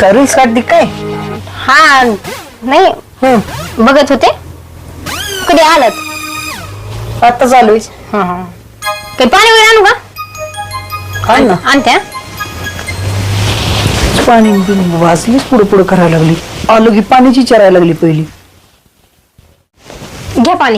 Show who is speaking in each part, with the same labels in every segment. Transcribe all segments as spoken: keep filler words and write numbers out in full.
Speaker 1: काय रील्स काढते काय?
Speaker 2: हा नाही बघत होते. कधी आलात?
Speaker 1: आता चालू आहे.
Speaker 2: हा हा काही पाणी वगैरे आणू का?
Speaker 1: काय ना
Speaker 2: आणते.
Speaker 1: पाणी वाजलीच पुढे पुढे करायला लागली. आलो की पाण्याची चरायला लागली पहिली.
Speaker 2: घ्या पाणी.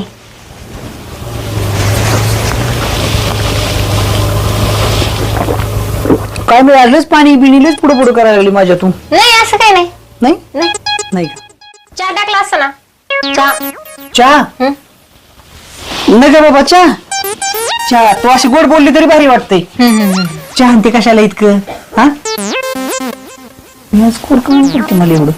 Speaker 1: काय मी आजलेच पाणी बिणीलेच पुढे पुढे करायला लागली माझ्यातून.
Speaker 2: नाही असं काही नाही.
Speaker 1: नाही
Speaker 2: नाही
Speaker 1: नाही का?
Speaker 2: चहा टाकला असता ना. चहा
Speaker 1: चहा
Speaker 2: हं?
Speaker 1: नाही का बाबा चहा? चहा तू अशी गोड बोलली तरी भारी वाटते. चहा आणते कशाला इतकं? हा गोड कमी पडते मला एवढं.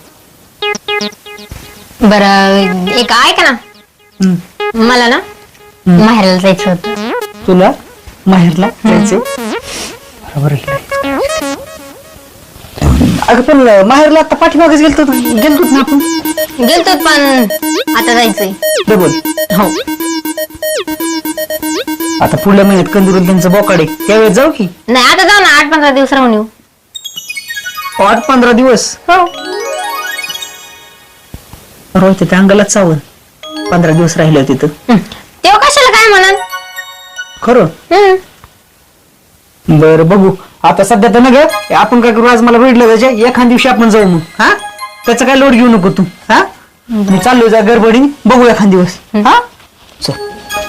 Speaker 2: बरं एक ऐका ना.
Speaker 1: हं.
Speaker 2: मला ना माहेरला जायचं होतं.
Speaker 1: तुला माहेरला जायचंय? बरोबर आहे. अगं पण माहेरला आता पाठीमागेच गेलतो गेलतोच ना आपण.
Speaker 2: गेलतो पण आता जायचंय.
Speaker 1: डबल
Speaker 2: हो
Speaker 1: आता पुढल्या महिन्यात कंदुरून त्यांचं बोकाडे त्यावेळेस जाऊ की.
Speaker 2: नाही आता जाऊ ना. आठ पंधरा दिवस राहून येऊ.
Speaker 1: आठ पंधरा दिवस
Speaker 2: हो
Speaker 1: रोज त्या अंगालाच चावल. पंधरा दिवस राहिले होते तिथं.
Speaker 2: तेव्हा कशाला काय म्हणाल.
Speaker 1: खरं बर बघू. आता सध्या तर ना ग आपण काय करू. आज मला भेटलं त्याच्या एखाद दिवशी आपण जाऊ मग. हा त्याचा काय लोड घेऊ नको तू. हा मी चाललो जा गडबडी. बघू एखाद दिवस. हा चल.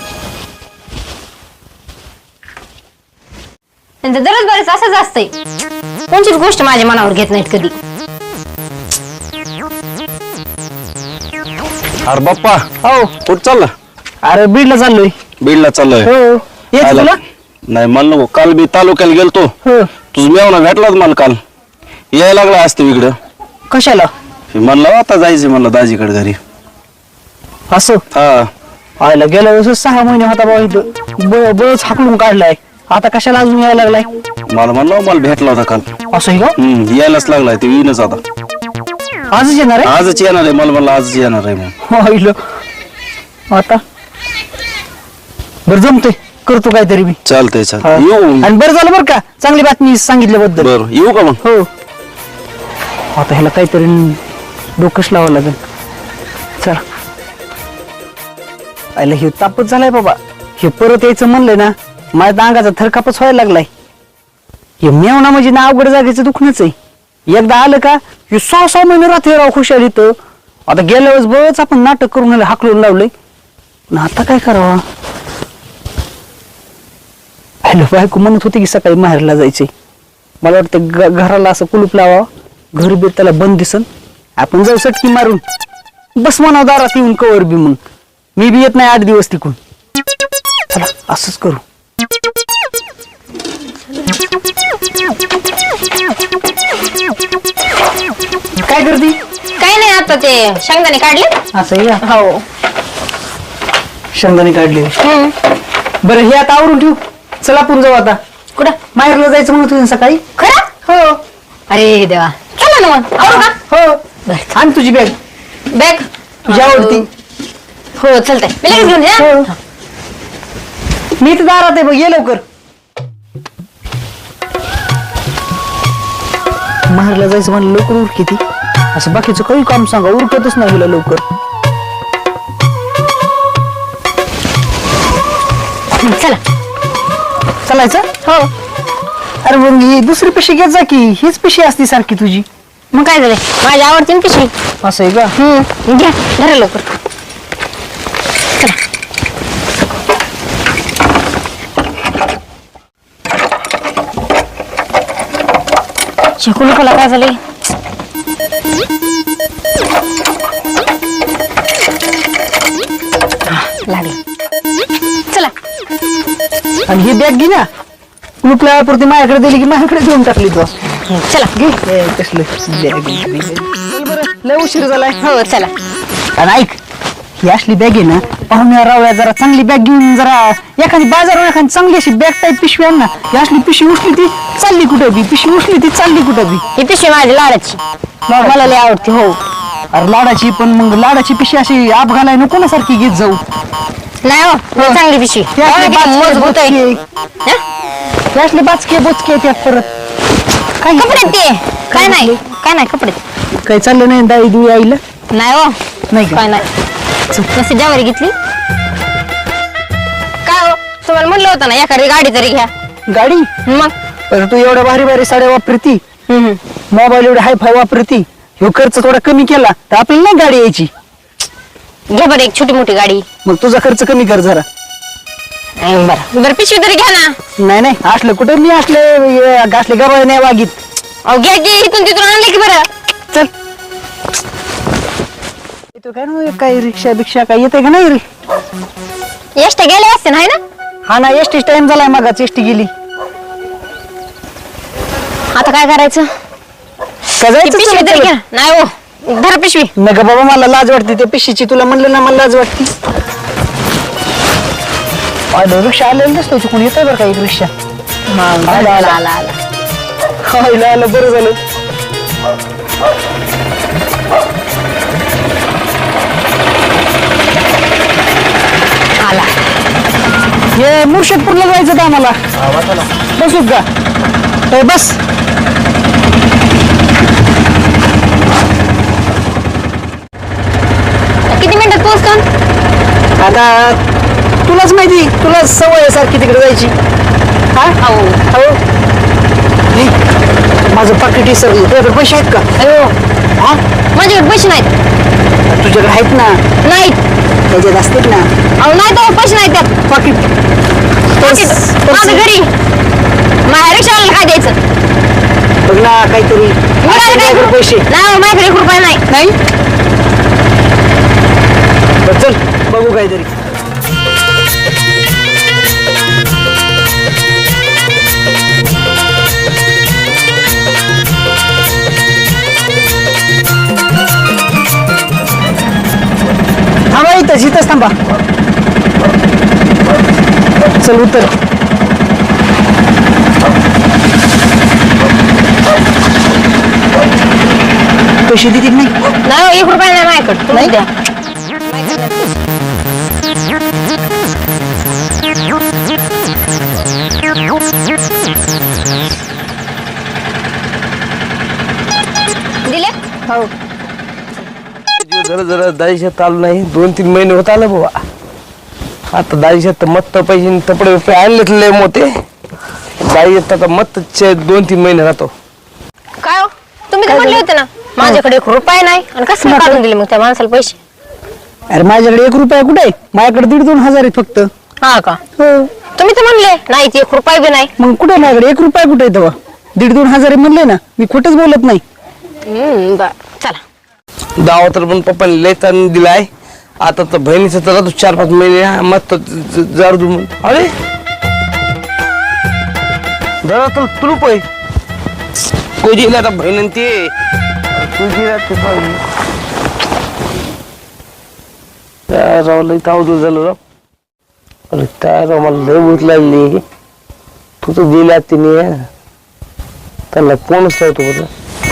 Speaker 2: त्यांचं दररोज बरेच असंच असतंय. कोणतीच गोष्ट माझ्या मनावर घेत नाहीत कधी.
Speaker 3: अरे बाप्पा
Speaker 1: हो
Speaker 3: कुठं चालला?
Speaker 1: अरे बीडला चाललोय.
Speaker 3: बीडला चाललोय.
Speaker 1: हो येत
Speaker 3: आला.
Speaker 1: तुला?
Speaker 3: नाही मला नको. काल मी तालुक्याला गेलतो.
Speaker 1: हो
Speaker 3: तुझं मेवना भेटलाच मला काल. यायला लागला असतो इकडं.
Speaker 1: कशाला?
Speaker 3: म्हणलं आता जायचं म्हणलं दाजीकडे घरी.
Speaker 1: असं
Speaker 3: हा
Speaker 1: आयला गेल्या वेळेस सहा महिने होता बाबा इथं बळच हाकलून काढलाय. आता कशाला अजून यायला लागलाय?
Speaker 3: मला म्हणलं मला भेटला होता काल.
Speaker 1: असं आहे का?
Speaker 3: हम्म यायलाच लागलाय. ते येईनच आता.
Speaker 1: आजच येणार आहे?
Speaker 3: आजच येणार आहे. मला म्हणलं आजच येणार आहे मग.
Speaker 1: आईलो आता बरं जमतंय करतो काहीतरी मी.
Speaker 3: चालतंय चालतंय. येऊ
Speaker 1: आणि बरं झालं बरं का चांगली बातमी सांगितल्याबद्दल.
Speaker 3: बरं येऊ का मग?
Speaker 1: हो आता ह्याला काहीतरी डोकंच लावावं लागेल. चला आयला हे तापच झालाय बाबा. हे परत यायचं म्हणलंय ना माझ्या अंगाचा थरकापच व्हायला लागलाय. हे मेवना म्हणजे ना अवघड जागेचं दुखणंच आहे. एकदा आलं का हे सहा सहा महिने राहते राव खुशाल इथं. आता गेल्या वेळेस बरंच आपण नाटक करून हाकलून लावलंय. आता काय करावं? हॅलो बायको म्हणत होती की सकाळी माहेरला जायचंय. मला वाटतं घराला असं कुलूप लावा. घर बीर त्याला बंद दिसन. आपण जाऊ सटकी मारून बस म्हणा दारात येऊन कवर बी. मग मी बी येत नाही आठ दिवस तिकून. चला असंच करू. काय करते?
Speaker 2: काही नाही आता ते शेंगदाणे काढले.
Speaker 1: असं या
Speaker 2: हो
Speaker 1: शेंगदाणे काढले.
Speaker 2: हम्म.
Speaker 1: बरं हे आता आवरून ठेवू. चला आपण जाऊ आता.
Speaker 2: कुठं?
Speaker 1: माहेरला जायचं म्हणत होते सकाळी.
Speaker 2: खरं?
Speaker 1: हो
Speaker 2: अरे देवा चला ना मग. आवरू का?
Speaker 1: हो आण तुझी बॅग.
Speaker 2: बॅग
Speaker 1: तुझी आवडती.
Speaker 2: हो चालतंय. मी लगेच घेऊन जा.
Speaker 1: हो. मी तर दारात आहे बघ ये लवकर. माहेरला जायचं म्हणलं लवकर उर किती. असं बाकीचं काही काम सांगा उरकतच नाही हिला लवकर.
Speaker 2: चला
Speaker 1: चालायचं?
Speaker 2: हो.
Speaker 1: अरे मग ही दुसरी पिशी घेत जा की. हीच पिशी असती सारखी तुझी.
Speaker 2: मग काय झालंय माझी आवडती ना पिशवी.
Speaker 1: असं आहे का?
Speaker 2: हम्म घ्या धरा लवकर. चला कुलूपाला काय झाले? लागले. चला
Speaker 1: आणि ही बॅग घे ना. कुलूपला पुरती माझ्याकडे दिली की माझ्याकडे देऊन टाकली तू.
Speaker 2: चला
Speaker 1: घे कसलं बॅग. लय उशीर झालाय.
Speaker 2: हो चला.
Speaker 1: आणि ऐक ही असली बॅग आहे ना पाहुण्या रावळ्या जरा चांगली बॅग घेऊन जरा एखादी बाजारावर एखादी चांगली अशी बॅग टाईप पिशवी आण ना. ही असली पिशवी उचली ती चालली कुठं बी. पिशवी उचली ती चालली कुठं बी.
Speaker 2: ही पिशवी माझी लाडाची. मला लय आवडते. हो
Speaker 1: अरे लाडाची पण मग लाडाची पिशवी अशी आप घालाय नको ना सारखी घेत जाऊ.
Speaker 2: नाही हो लय चांगली पिशवी.
Speaker 1: ती असली बाचके
Speaker 2: मजबूत आहे.
Speaker 1: बोचके. ती असली बाचके बोचके त्यात परत
Speaker 2: काय कपडे ते काय नाही. काय नाही कपडे
Speaker 1: काही चाललं नाही दाई दुई आईला
Speaker 2: नाही हो
Speaker 1: नाही का?
Speaker 2: काय नाही नसते ज्यावारी घेतली काय हो तुम्हाला म्हणलं होतं ना एखादी गाडी तरी घ्या
Speaker 1: गाडी
Speaker 2: मग
Speaker 1: पण तू एवढ्या भारी भारी साड्या वापरती
Speaker 2: हम्म, हम्म.
Speaker 1: मोबाईल एवढे हाय फाय वापरती ह्यो खर्च थोडा कमी केला तर आपल्याला नाही गाडी यायची
Speaker 2: घ्या बरं एक छोटी मोठी गाडी
Speaker 1: मग तुझा खर्च कमी कर जरा
Speaker 2: अं, बरं बरं पिशवी तरी घ्या ना
Speaker 1: नाही नाही असलं कुठे मी असले असले गबाळ नाही वागीत
Speaker 2: अहो घ्या की इथून तिथून आणलं की बरं
Speaker 1: चल येतो काय ना काय रिक्षा बिक्षा काय येते का नाही रे
Speaker 2: एसट्या गेले असते ना है ना
Speaker 1: हा ना एसटी टाइम झालाय मागाच एसटी गेली
Speaker 2: आता काय करायचं
Speaker 1: का
Speaker 2: ती
Speaker 1: जायचं
Speaker 2: पिशवी तरी
Speaker 1: चला
Speaker 2: घ्या नाही हो धरा पिशवी
Speaker 1: नका बाबा मला लाज वाटते त्या पिशीची तुला म्हणलं ना मला लाज वाटते आलं रिक्षा आलेलं दिसतो कोणी येतोय बरं का एक रिक्षा
Speaker 2: आला आला आला आला
Speaker 1: आलं आलं बरं झालं
Speaker 2: आला
Speaker 1: हे मुर्शिदपूरला जायचं का आम्हाला बसू का ए, बस
Speaker 2: किती मिनिटात पोहोचतो
Speaker 1: आता तुलाच माहिती तुला सवय आहे सारखी तिकडे जायची हा
Speaker 2: हो
Speaker 1: हो हे, माझं पाकिट विसरलं तुझ्याकडे पैसे आहेत का
Speaker 2: अयो
Speaker 1: हा
Speaker 2: माझ्याकडे पैसे नाहीत
Speaker 1: तुझ्याकडे आहेत ना
Speaker 2: नाहीत
Speaker 1: त्याच्यात असतील ना
Speaker 2: अहो नाही तर पैसे नाहीत त्यात
Speaker 1: पाकिट
Speaker 2: पाकीट माझं घरी माझ्या रिक्षावाल्याला काय द्यायचं
Speaker 1: बघ ना काहीतरी
Speaker 2: मी काय
Speaker 1: असतील
Speaker 2: काय
Speaker 1: तुझ्याकडे पैसे
Speaker 2: नाही हो, माझ्याकडे एक रुपया नाही
Speaker 1: नाही बरं, चल बघू काहीतरी थांबा इथंच इथंच थांबा चल उतर पैसे देतील नाही
Speaker 2: नाही हो, एक रुपया नाही माझ्याकडे तुम्ही द्या दिले
Speaker 1: हो
Speaker 4: जरा जरा दाईशात आलं नाही दोन तीन महिने होत आलं बाबा आता दाईशात मत्त पैसे तपडे रुपये आणलेत लय मोठे दाईशात आता मत्त दोन तीन महिने राहतो
Speaker 2: काय हो तुम्ही तर म्हणले होते ना माझ्याकडे एक रुपया नाही आणि कसं काय काढून दिले मग त्या माणसाला पैसे
Speaker 1: अरे माझ्याकडे एक रुपया कुठे आहे? माझ्याकडे दीड दोन हजार आहे फक्त
Speaker 2: हा का
Speaker 1: हो
Speaker 2: तुम्ही तर म्हणले नाही ते एक रुपया बी नाही
Speaker 1: मग कुठे आहे माझ्याकडे एक रुपया कुठे आहे तेव्हा दीड दोन हजार आहे म्हणले ना मी कुठेच बोलत नाही
Speaker 2: हम्म, बरं चला
Speaker 4: दावा तर पण पप्पाने लय ताण दिलाय आता तर बहिणीचं तर राहतो चार पाच महिने मस्त जर अरे जरा तर तू रुपये कोणी दिला आता बहिणी ते तू दिला ते पाहिजे काय राव लय तावदूर झालं राव अरे काय राव मला लय भूत लागली तू तर दिला तिने त्याला कोणच नव्हतं बरं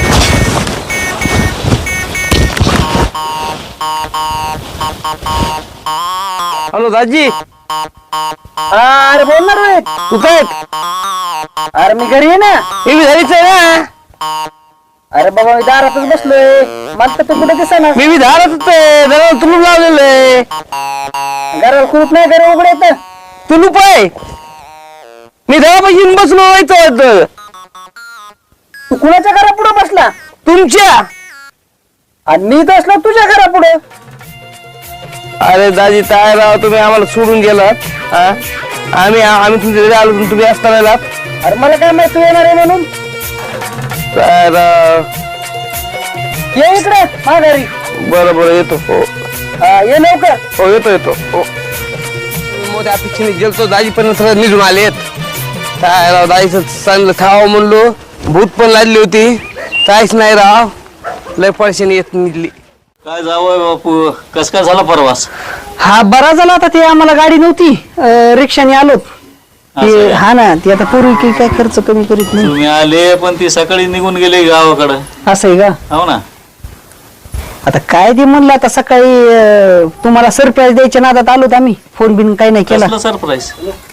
Speaker 4: हॅलो दाजी
Speaker 1: अरे बोल ना रे
Speaker 4: तू काय
Speaker 1: अरे मी घरी आहे ना
Speaker 4: मी बी घरीच आहे ना
Speaker 1: अरे बाबा मी दारातच बसलोय मला तर तू कुठे दिसेना
Speaker 4: मी बी धारत होते जरा तुलूप लावलेलं आहे
Speaker 1: घराला खूप नाही घर उघडे येत
Speaker 4: तुलूप आहे मी घरापाशी येऊन बसलो व्हायचं
Speaker 1: तू कुणाच्या घरा पुढे बसला
Speaker 4: तुमच्या
Speaker 1: आणि मी तर असलो तुझ्या घरा पुढे
Speaker 4: अरे दाजी काय राव तुम्ही आम्हाला सोडून गेलात हा? आम्ही आम्ही तुमच्या घरी आलो तुम्ही असताना आलात
Speaker 1: अरे मला काय माहिती तू येणार आहे म्हणून
Speaker 4: काय राव
Speaker 1: ये इकडे माघारी
Speaker 4: बरं बरं येतो हो
Speaker 1: हा, ये लवकर
Speaker 4: हो येतो येतो हो मोठ्या अपेक्षेने गेलतो दाजी पण सगळं निघून आलेत काय राव दाजीचं चांगलं खावं म्हणलो भूत पण लागली होती काहीच नाही राव लय परेशानी येत निघली
Speaker 3: काय जावं बापू कस काय झाला परवास
Speaker 1: हा बरा झाला आता ते आम्हाला गाडी नव्हती अं, रिक्षाने आलोत
Speaker 3: असं
Speaker 1: ते
Speaker 3: आहे.
Speaker 1: हा ना ते आता पूर्वी काही काय खर्च कमी करीत नाही
Speaker 3: तुम्ही आले पण ती सकाळी निघून गेले गावाकडं
Speaker 1: असं आहे का
Speaker 3: हो ना
Speaker 1: आता काय ते म्हणलं आता सकाळी अं, तुम्हाला सरप्राईज द्यायच्या नादात आलोत आम्ही फोन बिन काही नाही केला
Speaker 3: कसलं सरप्राईज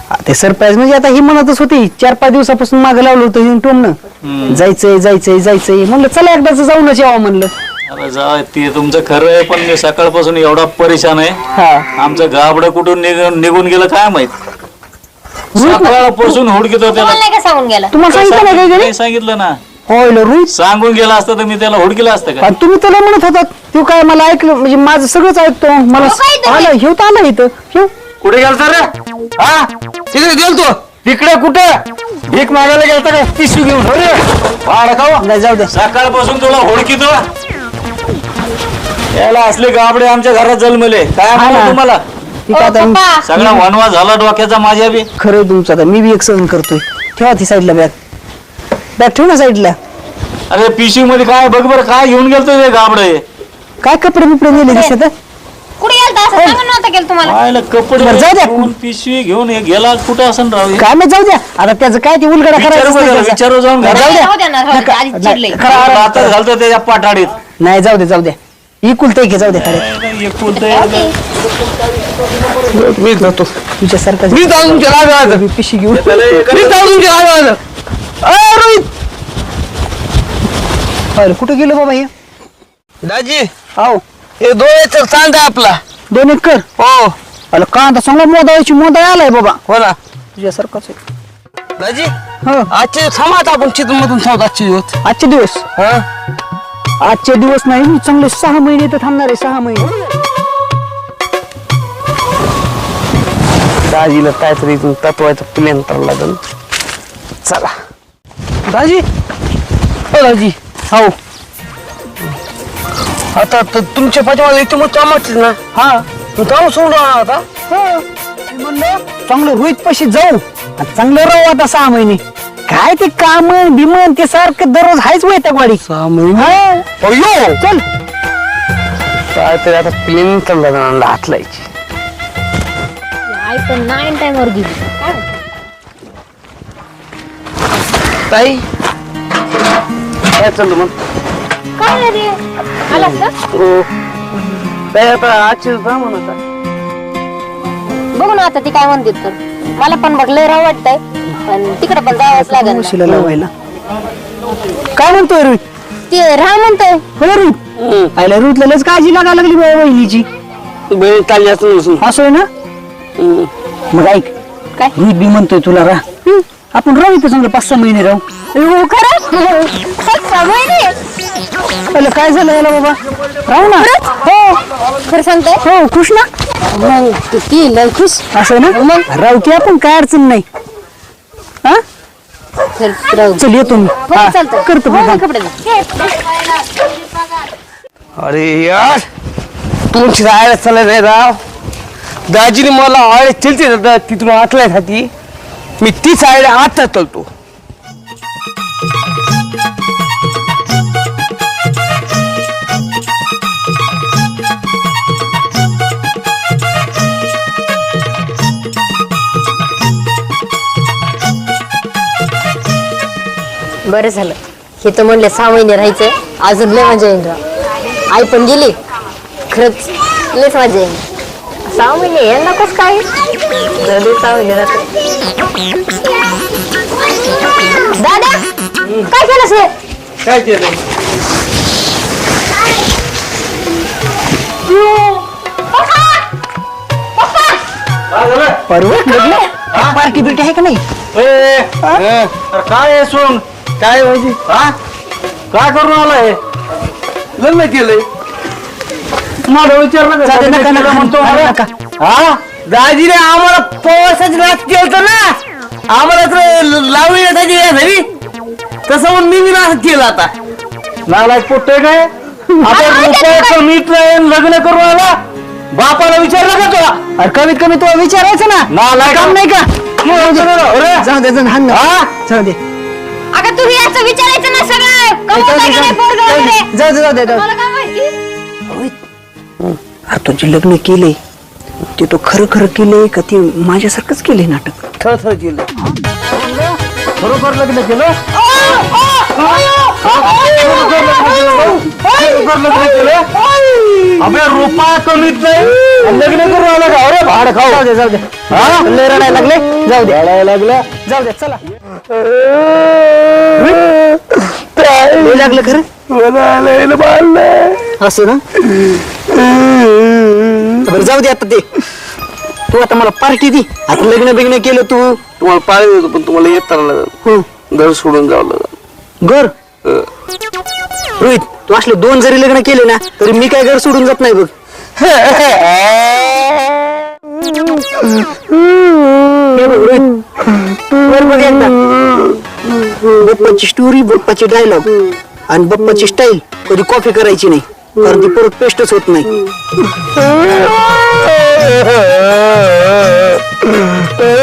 Speaker 1: ते सरप्राईज म्हणजे आता ही म्हणतच होती चार पाच दिवसापासून मागे लावलं होतं हिने टोमनं जायचंय जायचंय जायचंय म्हणलं चला एकदाच जाऊनच यावं म्हणलं.
Speaker 5: अरे जा ते तुमचं खरं आहे, पण मी सकाळपासून एवढा परेशान आहे.
Speaker 1: हा
Speaker 5: आमचं गाबडं कुठून निघून निघून गेलं काय माहित. सकाळपासून हुडकीत होते
Speaker 2: तुम्हाला नाही का सांगून गेला?
Speaker 1: तुम्हाला सांगितलं नाही काय घरी?
Speaker 5: नाही सांगितलं ना.
Speaker 1: होय रोहित
Speaker 5: सांगून गेला असतं तर मी त्याला हुडकीला असतं का.
Speaker 1: आणि तुम्ही त्याला म्हणत होता तो काय मला ऐकलं म्हणजे माझं सगळंच ऐकतो मला
Speaker 2: हो काय तुम्ही?
Speaker 1: आलं ह्यो तर आला इथं ह्यो.
Speaker 4: कुठे गेलता रे? हा तिकडे गेलतो.
Speaker 1: तिकडे कुठं भीक मागायला गेलता का पिशवी घेऊन हो रे भाडं खाऊ नाही जाऊ दे.
Speaker 5: सकाळपासून तुला हुडकीतो. याला असले गाबडे आमच्या घरात जन्मले काय
Speaker 1: हा
Speaker 5: म्हणू
Speaker 1: ना.
Speaker 5: तुम्हाला.
Speaker 1: ठीक आहे आता
Speaker 2: पप्पा
Speaker 5: सगळा वनवा झाला डोक्याचा माझ्या बी.
Speaker 1: खरं आहे तुमचं आता मी बी एक सहन करतोय. ठेवा ती साईडला बॅग बॅग ठेव ना साईडला.
Speaker 5: अरे पिशवी मध्ये काय बघ बरं काय घेऊन गेलतो ते गाबडे.
Speaker 1: काय कपडे बिपडे नेले दिसत
Speaker 2: कुठे गेलता असं सांगा नव्हतं केलं तुम्हाला?
Speaker 5: पाहिलं कपडे
Speaker 1: बरं, जाऊ द्या.
Speaker 5: घेऊन पिशवी घेऊन हे गेला कुठं असं राहू.
Speaker 1: काय नाही जाऊ द्या आता त्याचं काय ते उलगडा
Speaker 5: विचारू
Speaker 1: करायचं
Speaker 5: बरं, विचारू जाऊन घरात.
Speaker 1: जाऊ द्या.
Speaker 2: राहू द्या ना, राहू द्या. आधीच चिडलंय.
Speaker 5: हातात घालतो त्याच्या पाठाडीत.
Speaker 1: नाही जाऊ दे जाऊ द्या इकुलत घे जाऊ दे खरं
Speaker 5: एक बोलतोय.
Speaker 4: मी जातो.
Speaker 1: तुझ्यासारखं
Speaker 4: मी जाऊन तुमच्या लागायचं.
Speaker 1: पिशी घेऊन
Speaker 4: मी जाऊन तुमच्या लागायचं.
Speaker 1: अय, रोहित अरे कुठं गेलो बाबा हे
Speaker 4: दाजी
Speaker 1: हो
Speaker 4: हे डोळ्याचं चांद आहे आपला.
Speaker 1: दोन एकर
Speaker 4: हो
Speaker 1: अरे कांदा चांगला मोदायची मोदा आलाय बाबा
Speaker 4: हो ना
Speaker 1: तुझ्यासारखंच आहे.
Speaker 4: दाजी
Speaker 1: हो
Speaker 4: आजचे थांबा आपण चित्र मधून थांबत आजचे दिवस.
Speaker 1: आजचे दिवस
Speaker 4: हा
Speaker 1: आजचे दिवस नाही मी चांगले सहा महिने तर थांबणार आहे सहा महिने.
Speaker 4: दाजीला काहीतरी इथून तत्वायचं प्लॅन करावं लागेल. चला
Speaker 1: दाजी हो दाजी हो
Speaker 4: आता तर तुमच्या पाठीमागे इथे मग कामाच ना.
Speaker 1: हा
Speaker 4: तू काम सोडून राहणार आता.
Speaker 1: हो मी म्हणलं चांगलं रोहित पाशी जाऊ आणि चांगलं राहू आता सहा महिने. काय ते काम बिमन ते सारखं दररोज हायच वैताग वाडी
Speaker 4: सहा महिने
Speaker 1: हा.
Speaker 4: अयो
Speaker 1: चल
Speaker 4: काहीतरी आता प्लॅन चालला जाणार हात लायची.
Speaker 2: आई पण नाईन टाइमवर गेली. काय?
Speaker 4: ताई काय चाललं मग.
Speaker 2: काय रे आलास का?
Speaker 4: हो ताई आता आजचे थांब आता.
Speaker 2: बघू ना आता ती काय म्हणते तर. मला पण बघ लय राव वाटतंय पण तिकडे पण जावंच लागेल
Speaker 1: म्हशीला
Speaker 2: ना.
Speaker 1: लावायला काय म्हणतोय रोहित
Speaker 2: ते राह म्हणतोय.
Speaker 1: हो रोहित आयला रोहितला लस काळजी लागायला लागली बाबा वहिनीची
Speaker 4: बहीण चालली असं नसून.
Speaker 1: असं आहे ना मग ऐक
Speaker 2: काय?
Speaker 1: रोहित बी म्हणतोय तुला राह आपण राहू इथं चांगलं पाच सहा महिने राहू.
Speaker 2: हो, खरं सहा महिने?
Speaker 1: पहिलं काय झालं याला बाबा राहू ना हो
Speaker 2: खरं सांगतोय?
Speaker 1: हो खुश ना
Speaker 2: मग ती- ती लय खुश.
Speaker 1: असं आहे ना मग राहू की आपण काय अडचण नाही हा
Speaker 2: चल, राहू.
Speaker 1: चल येतो मी
Speaker 2: हो,
Speaker 1: हा,
Speaker 2: चालतंय.
Speaker 1: करतो
Speaker 2: हो,
Speaker 1: मी
Speaker 2: हो,
Speaker 1: काम.
Speaker 2: कपडे घाल.
Speaker 4: अरे यार तुमची राहायला चालत नाही राव. दाजीने मला आळे चलते तिथून आटल्यासाठी मी तीच आळे आता चालतो.
Speaker 2: बरं झालं हे तर म्हणले सहा महिने राहायचंय अजून लय मजा येईल राव. आई पण गेली खरंच लयच मजा येईल. सहा महिने यांना कसं काय जाऊ दे, सहा महिने राहते. दादा काय केलंस रे?
Speaker 4: काय केलं
Speaker 1: परवत लग्न पार्टी बिर्टी आहे का नाही
Speaker 5: काय आहे सोन
Speaker 4: काय माहिती
Speaker 5: हा काय करून आलाय.
Speaker 4: लग्न केलंय.
Speaker 5: मला विचारलं
Speaker 1: जाऊ दे, नका,
Speaker 5: का
Speaker 1: नका,
Speaker 5: म्हणतो
Speaker 1: नका, नका.
Speaker 4: हा दाजीने आम्हाला पवासाच नाच केलं ना. आम्हाला तर लावणी येताची घरी तसं म्हणून मी बी नाच केलं आता.
Speaker 5: नालायक पोट्टे काय आता रुपयाचं मीठ नाही लग्न करून आला. बापाला विचारलं का तुला.
Speaker 1: अरे कमीत कमी तुला विचारायचं ना
Speaker 5: नालायक
Speaker 1: काम नाही का
Speaker 5: अरे,
Speaker 1: जाऊ दे जाऊ दे, हाण ना.
Speaker 5: हा?
Speaker 1: जाऊ दे
Speaker 2: अगं तुम्ही याचं विचारायचं ना सगळं कमवताय का नाही पोरगं वगैरे?
Speaker 1: जाऊ दे जाऊ दे जाऊ
Speaker 2: मला काय माहिती?
Speaker 1: दे. अरे तू जे लग्न केले ते तो खरं खरं केले का ते माझ्यासारखंच केले नाटक.
Speaker 4: थर थर केलं.
Speaker 5: बरोबर लग्न केलं.
Speaker 2: ओ, ओ, ओ, ओ, ओ, ओ, ओ, ओ, ओ, ओ, ओ,
Speaker 5: बरोबर लग्न केलं. अबे रुपया कमीत नाही लग्न करून आला का अरे भाड खाऊ
Speaker 1: जाऊ दे जाऊ दे
Speaker 5: हा?
Speaker 1: लय रडायला लागले जाऊ दे
Speaker 5: रडायला लागला
Speaker 1: जाऊ दे चला लय लागलं खरं असं ना बरं जाऊ दे आता ते तू आता मला पार्टी दे आता लग्न बिग्न केलं तू
Speaker 4: तुम्हाला पाळी देतो पण तुम्हाला येताना लागेल
Speaker 1: हं.
Speaker 4: घर सोडून जावं लागेल
Speaker 1: घर
Speaker 4: अं.
Speaker 1: रोहित तू असले दोन जरी लग्न केले ना तरी मी काय घर सोडून जात नाही बघ हे बघ रोहित वर बघ एकदा बप्पाची स्टोरी बप्पाची डायलॉग आणि बप्पाची स्टाईल कधी कॉफी करायची नाही कारण ती परत पेस्टच होत नाही